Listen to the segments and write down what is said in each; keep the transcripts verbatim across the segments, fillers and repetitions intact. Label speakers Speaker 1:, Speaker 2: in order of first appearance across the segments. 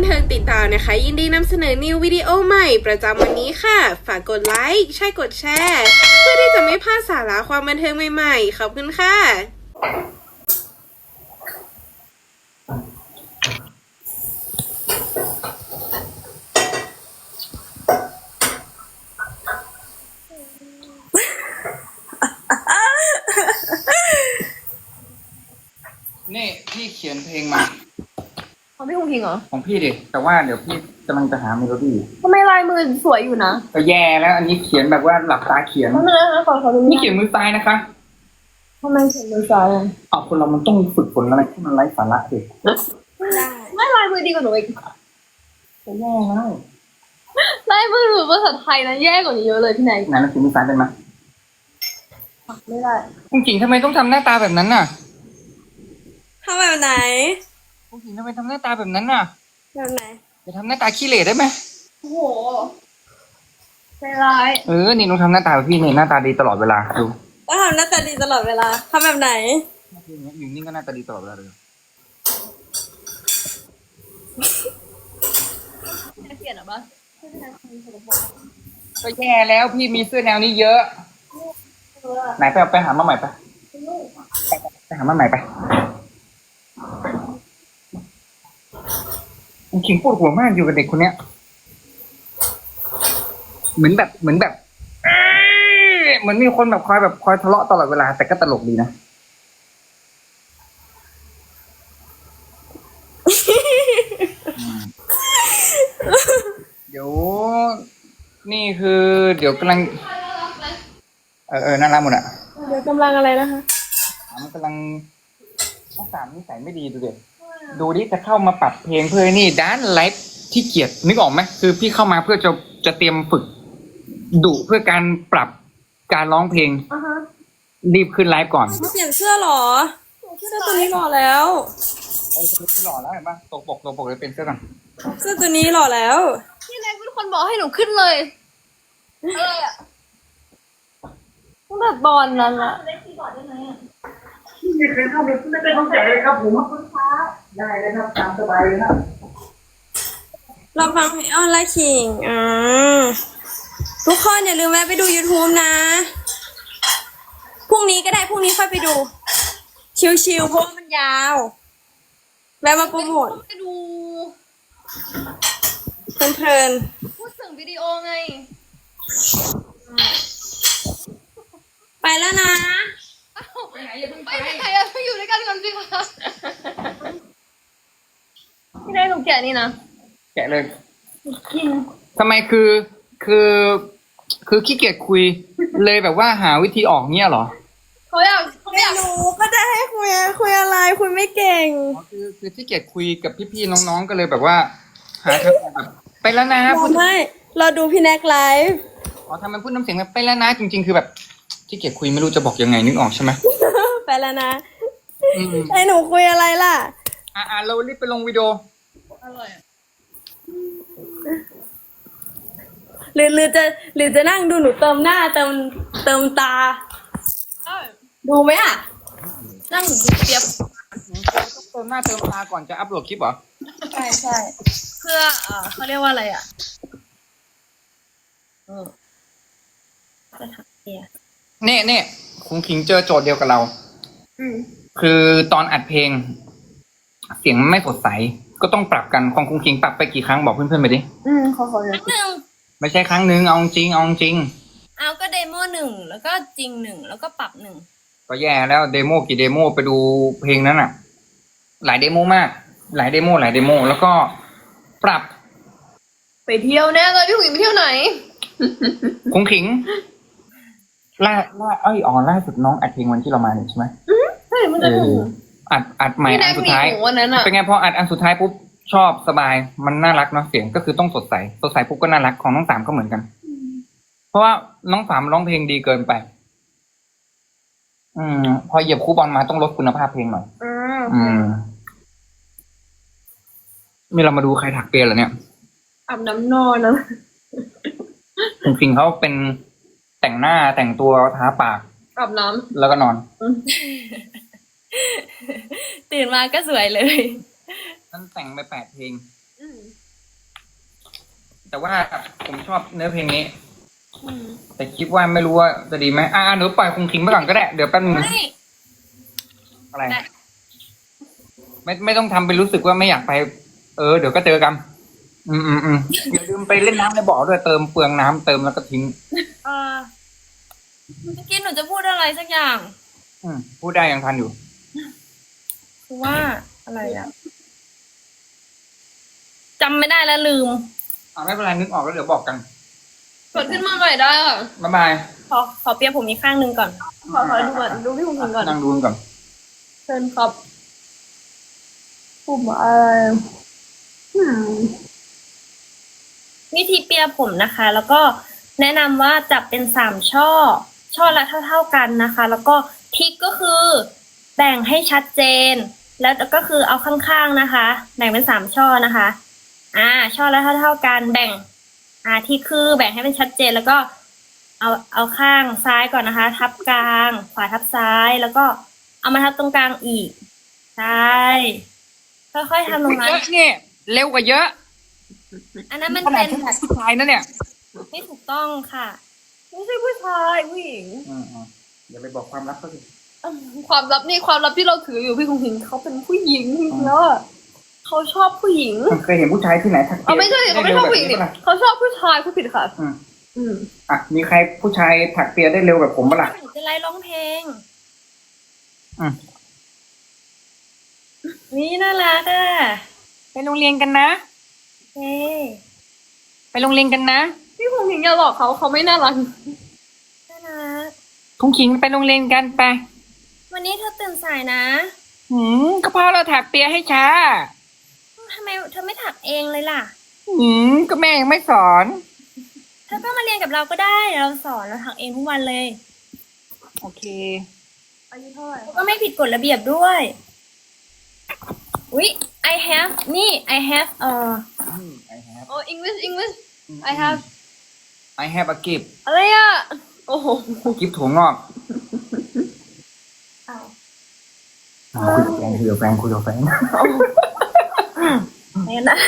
Speaker 1: เทิงติดตามนะคะยินดีนำเสนอนิววิดีโอใหม่ประจำวันนี้ค่ะฝากกดไลค์ใช่กดแชร์เพื่อที่จะไม่พลาดสาระความบันเทิงใหม่ๆขอบคุณค่ะ
Speaker 2: นี่พี่เขียนเพลงมา
Speaker 3: ของพี่คงพิงเหรอ
Speaker 2: ของพี่ดิแต่ว่าเดี๋ยวพี่กำลังจะหาเมโลดี้
Speaker 3: ทำไมลายมือสวยอยู่นะ
Speaker 2: ก็แย่แล้วอันนี้เขียนแบบว่าหลับตาเขียน
Speaker 3: ทำไมนะขอขอดู
Speaker 2: นี่เขียนมือซ้ายนะคะ
Speaker 3: ทำไมเขียนมือซ้ายอ่ะ
Speaker 2: อ๋อคนเรามันต้องฝึกฝนอะไรที่มันไร้สาระดิ
Speaker 3: ได้ไม่ลายมือดีกว่าหนูอีก
Speaker 2: จะแย่แล้ว
Speaker 3: ลายมือหนูภาษาไทยนะแย่กว่านี้เยอะเลยพี่ไหน
Speaker 2: ไหนเราเขียนมือซ้ายเป็นไหม
Speaker 3: ไม่ได้
Speaker 2: จริงๆทำไมต้องทำหน้าตาแบบนั้นน่ะ
Speaker 1: ทำแบบไหน
Speaker 2: จริงๆทำไมทำหน้าตาแบบนั้นน่ะ
Speaker 1: แบบไหน
Speaker 2: จะทำหน้าตาขี้เหร่ได้ไหม
Speaker 3: โอ้โหใจร้าย
Speaker 2: เออนี่ต้องทำหน้าตาแบบพี่นี่หน้าตาดีตลอดเวลาดู
Speaker 1: ก็ทำหน้าตาดีตลอดเวลาทำแบบไหน
Speaker 2: อยู่นี่ก็หน้าตาดีตลอดเวลาเลย
Speaker 3: เปลี่ยนหรอปะ
Speaker 2: ก็แย่แล้วพี่มีเสื้อแนวนี้เยอะไหนไปเอาไปหามาใหม่ไปไปหามาใหม่ไปขิงปวดหัวมากอยู่กับเด็กคนเนี้ยเหมือนแบบเหมือนแบบเหมือนมีคนแบบคอยแบบคอยทะเลาะตลอดเวลาแต่ก็ตลกดีนะเดี๋ยวนี่คือเดี๋ยวกำลังเออเออน่ารักหมดอ่ะ
Speaker 1: เดี๋ยวกำลังอะไรนะคะ
Speaker 2: มันกำลังต้องสามนิสัยไม่ดีดูเด็กดูดิจะเข้ามาปรับเพลงเพื่อนี่ด้านไลฟ์ที่เกียดนึกออกไหมคือพี่เข้ามาเพื่อจะจะเตรียมฝึกดุเพื่อการปรับการร้องเพลงรีบขึ้นไลฟ์ก่อน
Speaker 1: เปลี่ยนเสื้อหรอเสื้อตัวนี้หล่อแล้ว
Speaker 2: ไอ้ตัวนี้หล่อแล้วเห็นปะตกปกตกปกเลยเป็นเสื้อก่อน
Speaker 1: เสื้อตัวนี้หล่อแล้ว
Speaker 3: พี่แรกเป็นคนบอกให้หนูขึ้นเลยอะไรอ่ะตั้งแต่ตอนนั้นอะเล่นคีย์บอร์ดได้ไหมอ่ะ
Speaker 2: ไม่เคยทำเลยไม่ได้ต้องใจเลยครับผมคุณฟ้าได้เลยครับตามสบายเลยนะ
Speaker 1: เราฟังเพลงออนไลน์คิงอ่าทุกคนอย่าลืมแวะไปดู YouTube นะพรุ่งนี้ก็ได้พรุ่งนี้ค่อยไปดูชิวๆเพราะมันยาวแวะมาโปรโมท
Speaker 3: ไปดู
Speaker 1: เพลิน
Speaker 3: ๆพูดถึงวิดีโอไง
Speaker 1: ไปแล้วนะ
Speaker 3: ไปไหนอย่าเพิ่งไปไปไหนอะไปอยู่ด้วยกันก่อนสิคะพี่ได้หนูแกะนี่นะ
Speaker 2: แกะเลย
Speaker 3: กิน
Speaker 2: ทำไมคือคือคือขี้เกียจคุยเลยแบบว่าหาวิธีออกเนี้ยเหรอ
Speaker 3: เขาอยากเขาอยาก
Speaker 1: รู้ก็จะให้คุยคุยอะไรคุยไม่เก่ง
Speaker 2: คือคือขี้เกียจคุยกับพี่ๆน้องๆก็เลยแบบว่าหาทางแบบไปแล้วนะ
Speaker 1: พูดไม่เราดูพี่แน็กไลฟ์
Speaker 2: อ๋อทำไมพูดน้ำเสียงแบบไปแล้วนะจริงๆคือแบบขี้เกียจคุยไม่รู้จะบอกยังไงนึกออกใช่ไหม
Speaker 1: ไปแล้วนะไอ้หนูคุยอะไรล่ะ
Speaker 2: อ่าเรารีบไปลงวิดีโอ
Speaker 3: อร่อย
Speaker 1: หรือหรือจะหรือจะนั่งดูหนูเติมหน้าเติมเติมตาดูไหมอ่ะนั่งดูเปียบ
Speaker 2: ต้องเติมหน้าเติมตาก่อนจะอัพโหลดคลิปเหรอ
Speaker 1: ใช่ใช่
Speaker 3: เพื่อเออเขาเรียกว่าอะไรอ่ะเออจะทำเนี่ย
Speaker 2: เน่เน่คุณคิงเจอโจทย์เดียวกับเรา
Speaker 1: อืม
Speaker 2: คือตอนอัดเพลงเสียงไม่สดใสก็ต้องปรับกันของคุณคิงปรับไปกี่ครั้งบอกเพื่อนๆไปดิ
Speaker 1: อืมขอขอ
Speaker 3: ครั้งหนึ่ง
Speaker 2: ไม่ใช่ครั้งหนึ่งเอาจริงเอาจริง
Speaker 3: เอาก็เดโมหนึ่งแล้วก็จริงหนึ่งแล้วก็ปรับหนึ่ง
Speaker 2: ก็แย่แล้วเดโมกี่เดโมไปดูเพลงนั้นอ่ะหลายเดโมมากหลายเดโมหลายเดโมแล้วก็ปรับ
Speaker 3: ไปเที่ยวแน่เลยพี่หุยไปเที่ยวไหน
Speaker 2: คงขิงล่าล่าเอ้ยอ๋อล่าสุดน้องอัดเพลงวันที่เรามาเนี่ยใช่ไหม
Speaker 3: ใช่มันจะถึง
Speaker 2: อัดอัดใหม่อันสุดท้ายเป็นไงพออัดอันสุดท้ายปุ๊บชอบสบายมันน่ารักเนาะเสียงก็คือต้องสดใสสดใสปุ๊บก็น่ารักของน้องสามก็เหมือนกันเพราะว่าน้องสามร้องเพลงดีเกินไปอืมพอเหยียบคูบอลมาต้องลดคุณภาพเพลงหน่อยอืมนี่เรามาดูใครถักเปียเหรอเนี่ย
Speaker 1: อาบน้ำนอนนะ
Speaker 2: จริงๆเขาเป็นแต่งหน้าแต่งตัวทาปาก
Speaker 3: อาบน้ำ
Speaker 2: แล้วก็นอน
Speaker 1: ตื่นมาก็สวยเลย
Speaker 2: นั่นแต่งไปแปดเพลงแต่ว่าผมชอบเนื้อเพลงนี้ แต่คิดว่าไม่รู้ว่าจะดีไหมอ่าหนูปล่อยคงคิงไปก่อนก็ได้เดี๋ยวแป๊บนึง
Speaker 1: ไม่
Speaker 2: อะไร
Speaker 1: ได้
Speaker 2: ไม่ไม่ต้องทำเป็นรู้สึกว่าไม่อยากไป เออเดี๋ยวก็เจอกัน อืมอืมอืมอย่าลืมไปเล่นน้ำในบ่อด้วยเติมเปลืองน้ำเติมแล้วก็ทิ้ง
Speaker 1: เออเมื่อกี้หนูจะพูดอะไรสักอย่าง
Speaker 2: อืมพูดได้ยังทันอยู่
Speaker 1: คือว่าอะไรอะจำไม่ได้แล้วลืม
Speaker 2: อ่าไม่เป็นไรนึกออกแล้วเดี๋ยวบอกกัน
Speaker 3: กดขึ้นมาใหม่ได้ค่ะ
Speaker 2: บ๊ายบาย
Speaker 1: ขอขอเปียผมอีกข้างหนึ่งก่อน
Speaker 3: ขอขอดูก่อนดูพี่คุณคิงก่อน
Speaker 2: นั่งดูกันก่อน
Speaker 3: เชิญครับปุ่มอะไรอืม
Speaker 1: วิธีเปียผมนะคะ แล้วก็แนะนำว่าจับเป็นสามช่อ ช่อละเท่าๆกันนะคะ แล้วก็ทริกก็คือ แบ่งให้ชัดเจน แล้วก็คือเอาข้างๆนะคะ แบ่งเป็นสามช่อนะคะ อ่า ช่อละเท่าๆกันแบ่ง อ่าที่คือแบ่งให้เป็นชัดเจนแล้วก็ เอาเอาข้างซ้ายก่อนนะคะ ทับกลาง ขวาทับซ้ายแล้วก็เอามาทับตรงกลางอีกใช่ค่อยๆทำตรงนั้น
Speaker 2: เยอะนี่เร็วกว่าเยอะ
Speaker 1: อันนั้นมัน
Speaker 2: ขนา
Speaker 1: เป็
Speaker 2: ด
Speaker 1: น
Speaker 2: ที่ผู้ชายนะเนี่ย
Speaker 1: ไม่ถูกต้องค่ะ
Speaker 3: ไม่ใช่ผู้ชายผู้หญิง
Speaker 2: อืมอืมอย่าไปบอกความลับเขาสิ
Speaker 3: ความลับนี่ความลับที่เราถืออยู่พี่คุณคิงเขาเป็นผู้หญิงแล้วอะเขาชอบผู้หญิง
Speaker 2: เคยเห็นผู้ชายที่ไหนทัก
Speaker 3: เอาไม่ใช่เขาไม่ชอบผู้หญิง
Speaker 2: ได้
Speaker 3: ดิ
Speaker 2: เร็วแบบนี้ปะล่ะ
Speaker 3: เขาชอบผู้ชายผู้ผิดค่ะ
Speaker 2: อืม
Speaker 3: อืม
Speaker 2: อ่ะมีใครผู้ชายถักเปียได้เร็วแบบผมปะล่ะ
Speaker 1: หนูจะไล่ร้องเพลง
Speaker 2: อืม
Speaker 1: นี่น่ารักอ่ะ
Speaker 2: ไปโรงเรียนกันนะ
Speaker 1: เฮ้
Speaker 2: ไปโรงเรียนกันนะ
Speaker 3: พี่คุณคิงอย่าหลอกเขาเขาไม่น่ารัก
Speaker 1: น่ารัก
Speaker 2: คุ้งขิงไปโรงเรียนกันไป
Speaker 1: วันนี้เธอตื่นสายนะ
Speaker 2: หืมก็เพราะเราถักเปียให้ช้า
Speaker 1: ทำไมเธอไม่ถักเองเลยล่ะ
Speaker 2: หืมก็แม่ยังไม่สอน
Speaker 1: เธอก็มาเรียนกับเราก็ได้เดี๋ยวเราสอนเราถักเองทุกวันเลย
Speaker 2: โอเค
Speaker 3: อายุเท่าไหร่
Speaker 1: ก็ไม่ผิดกฎระเบียบด้วย อุ๊ย I have นี่ I have เอ่อ
Speaker 2: I have
Speaker 3: โอ้ English English I have
Speaker 2: I have a gift
Speaker 3: อะไรอ่ะโอ้โห
Speaker 2: กิฟต์ถั่วงอกอ่าคุยกับแฟนคุยกับแฟนคุยกับแฟน
Speaker 1: เนี่ยนะ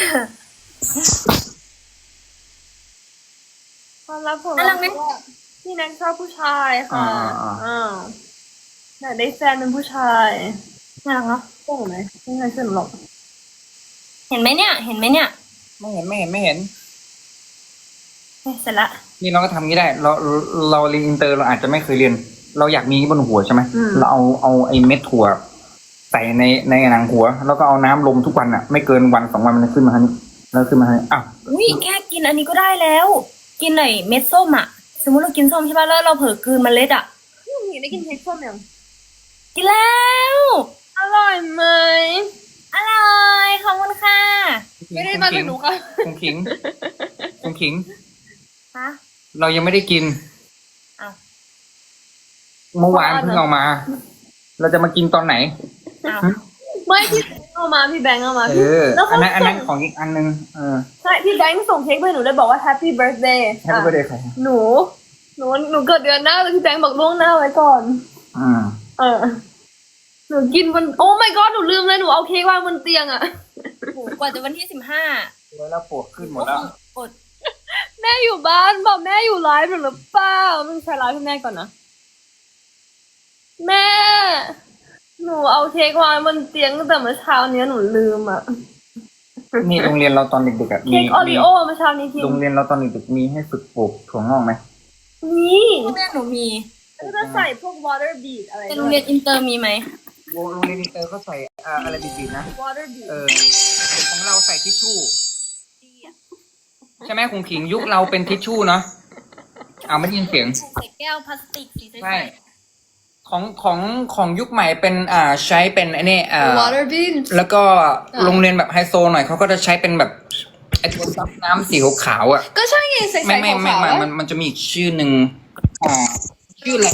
Speaker 3: ความลับของ
Speaker 1: น่ารั
Speaker 3: เรา
Speaker 1: กไหม
Speaker 3: คือว่าพี่แน็กชอบผู้ชายค่ะ
Speaker 2: อ่าอ่า
Speaker 3: อ่าแต่ได้แฟนเป็นผู้ชาย
Speaker 1: น่ารักเนาะ
Speaker 3: โอ้ไหมไม่เคยเชื่อหนูหรอก
Speaker 1: เห็นไหมเนี่ย เห็นไหมเนี่ย
Speaker 2: ไม่เห็นไม่เห็นไม่เห็น
Speaker 1: เฮ้ยเสร็จละ
Speaker 2: นี่เราก็ทำงี้ได้ เราเราเรียนอินเตอร์เราอาจจะไม่เคยเรียน เราอยากมีบนหัวใช่ไหมเราเอาเอาไอ้เม็ดถั่วใส่ในในหนังหัว แล้วก็เอาน้ำลมทุกวันอ่ะ ไม่เกินวันสองวันมันจะขึ้นมาทันแล้วขึ้นมาทันอ้าว
Speaker 1: อุ้ยแค่กินอันนี้ก็ได้แล้ว กินหน่อยเม็ดส้มอ่ะ สมมติเรากินส้มใช่ป่ะแล้วเราเผลอกลืนเมล็ดอ่ะ
Speaker 3: พี่หมีได้กินเค้กส้มยัง
Speaker 1: กินแล้ว
Speaker 3: อร่อยไหม
Speaker 1: อร่อยขอบคุณค่ะ
Speaker 3: ไม่ได้มาจากหนูค่ะ
Speaker 2: คงขิงคงขิง
Speaker 1: ฮะ
Speaker 2: เรายังไม่ได้กิน
Speaker 1: อ้าว
Speaker 2: เมื่อวานเพิ่งเอามา เราจะมากินตอนไหน
Speaker 1: อ้าว
Speaker 3: ไม่พี่แบงค์เอามาพี่แบงค์เอามา
Speaker 2: เออ
Speaker 3: แล้ว
Speaker 2: อั
Speaker 3: เขา
Speaker 2: นนั้นอัน
Speaker 3: ส่
Speaker 2: นั้น
Speaker 3: ง
Speaker 2: ของอีกอันนึงเออ
Speaker 3: ใช่พี่แบงค์ส่งเค้กไปให้หนูเลยบอกว่า Happy Birthday
Speaker 2: ให้ไปเดย์ใคร
Speaker 3: หนู หนูหนูเกิดเดือนหน้าแต่พี่แบงค์บอกล่วงหน้าไว้ก่อน
Speaker 2: อืม
Speaker 3: เออ หนูกินบนโอ้ my god หนูลืมเลยหนูเอาเค้กวางบนเตียงอะ
Speaker 1: โหกว่าจะวันที่สิบห้า
Speaker 2: แล้วเราปวดขึ้นหมดแล้ว
Speaker 1: อด
Speaker 3: แม่อยู่บ้านบอกแม่อยู่ไลฟ์หรือเปล่าไม่ใช่ไลฟ์ให้แม่ก่อนนะ แม่ หนูเอาเค้กวางบนเตียงตั้งแต่เมื่อเช้านี้หนูลืมอะ
Speaker 2: นี่โรงเรียนเราตอนเด็กๆอ่ะมี
Speaker 3: เค้กโอริ
Speaker 2: มี
Speaker 3: โอเมื่อเช้านี้กิน
Speaker 2: โรงเรียนเราตอนเด็กๆมีให้ฝึกปลูกถั่วงอกไหม
Speaker 3: นี่
Speaker 1: แม่หนูมี
Speaker 3: แล้วก็จะใส่พวก water bead อะไร
Speaker 1: เป็นโรงเรียนอินเตอร์มีไหม
Speaker 2: โรงเรียนอินเตอร์เขาใส่อ่าอะไรดีๆนะ
Speaker 3: water bead
Speaker 2: เออของเราใส่ทิชชู่ใช่ไหมคงขิงยุคเราเป็นทิชชู่เนาะเอาไม่ได้ยินเสียง
Speaker 1: ใส่แก้วพลาสติกสีใส
Speaker 2: ใช่ ของของของยุคใหม่เป็นอ่าใช้เป็นไอ้นี่อ่า
Speaker 3: water bead
Speaker 2: แล้วก็โรงเรียนแบบไฮโซหน่อยเขาก็จะใช้เป็นแบบไอ้ตัวซับน้ำสีขาวๆอ่ะ
Speaker 3: ก็ใช่ไงใส่
Speaker 2: ไม่
Speaker 3: ใส่
Speaker 2: ไม่
Speaker 3: ขาว
Speaker 2: ไม่
Speaker 3: ๆ
Speaker 2: มัน
Speaker 3: อะ
Speaker 2: มันมันจะมีอีกชื่อหนึ่งอ่าชื่ออะไร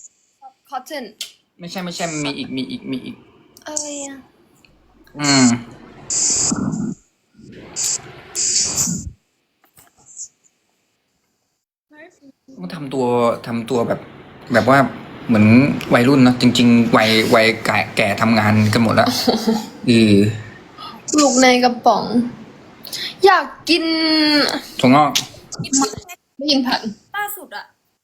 Speaker 3: cotton
Speaker 2: ไม่ใช่ไม่ใช่มันมีอีกมีอีกมีอีก
Speaker 3: อะไรอะ
Speaker 2: อืมก็ทำตัวทำตัวแบบ แบบว่าเหมือนวัยรุ่นเนอะจริง ๆ วัยวัยแก่แก่ทำงานกันหมดแล้วอือ
Speaker 3: ลูกในกระป๋องอยากกิน
Speaker 2: ถั่วงอก
Speaker 3: ไม่ยินผัน
Speaker 1: ล่าสุดอะ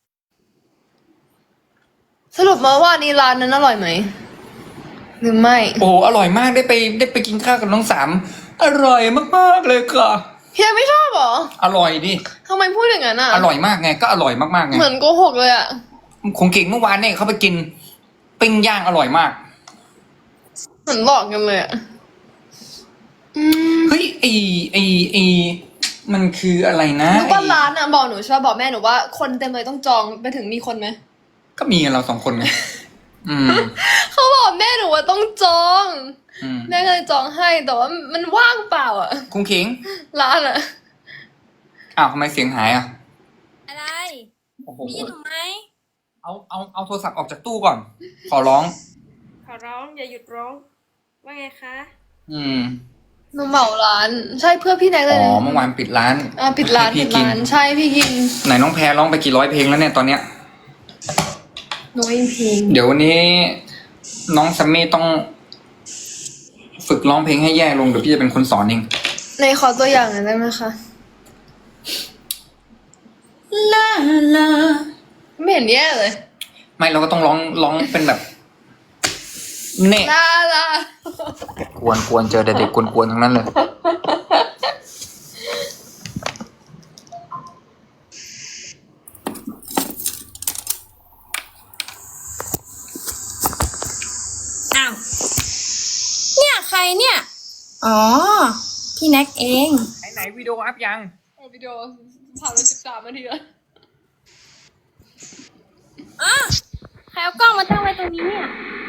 Speaker 3: สรุปมาว่านี่ร้านนั้นอร่อยไหมหรือไม่
Speaker 2: โอ้อร่อยมากได้ไปได้ไปกินข้าวกับน้องสามอร่อยมากๆเลยค่ะ
Speaker 3: เฮียไม่ชอบเหรอ
Speaker 2: อร่อยดิ
Speaker 3: ทำไมพูดอย่างนั้นอ่ะ
Speaker 2: อร่อยมากไงก็อร่อยมากๆไง
Speaker 3: เหมือนโกหกเลยอ่ะ
Speaker 2: คงเก่งเมื่อวานเนี่ยเขาไปกินปิ้งย่างอร่อยมาก
Speaker 3: เหมือนหลอกกันเลยอ่ะอืม
Speaker 2: เฮ้ยไอไอไอมันคืออะไรนะ
Speaker 3: รู้ว่า
Speaker 2: ไอ้
Speaker 3: ร้านอ่ะบอกหนูชอบบอกแม่หนูว่าคนเต็มเลยต้องจองไปถึงมีคนไหม
Speaker 2: ก็มีเราสองคนไงอืม
Speaker 3: เขาบอกแม่หนูว่าต้องจอง
Speaker 2: อืม
Speaker 3: แม่ก็เลยจองให้แต่ว่ามันว่างเปล่าอ่ะ
Speaker 2: คงเก่ง
Speaker 3: ร้านอ่ะ
Speaker 2: อ้าวทำไมเสียงหายอ่ะ
Speaker 1: อะไร
Speaker 2: โอ้โห
Speaker 1: ได้ยินหนูไหม
Speaker 2: เอาเอาเอาโทรศัพท์ออกจากตู้ก่อน ขอร้อง
Speaker 1: ขอร้องอย่าหยุดร้อง ว่าไงคะ
Speaker 2: อืม
Speaker 3: หนูเหมาร้าน ใช่เพื่อพี่แน็กเล
Speaker 2: อ๋
Speaker 3: ย
Speaker 2: อ
Speaker 3: นะ
Speaker 2: เมื่อวานปิดร้าน
Speaker 3: อ่าปิดร้าน
Speaker 2: ให้
Speaker 3: ปิ
Speaker 2: พี่
Speaker 3: ด
Speaker 2: กิน
Speaker 3: ร้านใช่พี่กิน
Speaker 2: ไหนน้องแพรร้องไปกี่ร้อยเพลงแล้วเนี่ยตอนเนี้ย
Speaker 3: หนูอินพิง
Speaker 2: เดี๋ยววันนี้น้องซัมมี่ต้อง ฝึกร้องเพลงให้แย่ลงเดี๋ยวพี่จะเป็นคนสอนเอง
Speaker 3: ในขอตัวอย่างหน่อยได้ไหมคะ
Speaker 2: ลาลา
Speaker 3: ไม่เห็นแย่เลย
Speaker 2: ไม่เราก็ต้องร้องร้องเป็นแบบเน่
Speaker 3: ลาลาก
Speaker 2: วนกวนเจอแต่เด็กกวนกวนทั้งนั้นเลย
Speaker 1: อ้าว เนี่ยใครเนี่ย อ๋อ พี่แน็กเอง
Speaker 2: ไหนไหนวิดีโออัพยัง
Speaker 3: เอาวิดีโอผ่านไปสิบสามนาทีแล้ว
Speaker 1: อ่ะใครเอากล้องมาตั้งไว้ตรงนี้เนี่ย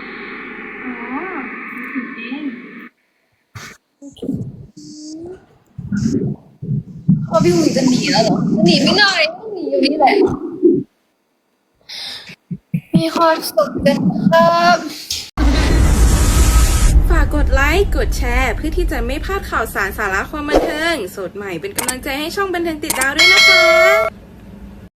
Speaker 3: พอพี่หุยจะหนีแล้วเหรอหนีไม่ได้ต้องหนีอยู่นี่แหละ มีความสุขกันครับ
Speaker 4: ฝากกดไลค์ กดแชร์ เพื่อที่จะไม่พลาดข่าวสารสาระความบันเทิง สดใหม่เป็นกำลังใจให้ช่องบันเทิงติดดาวด้วยนะคะ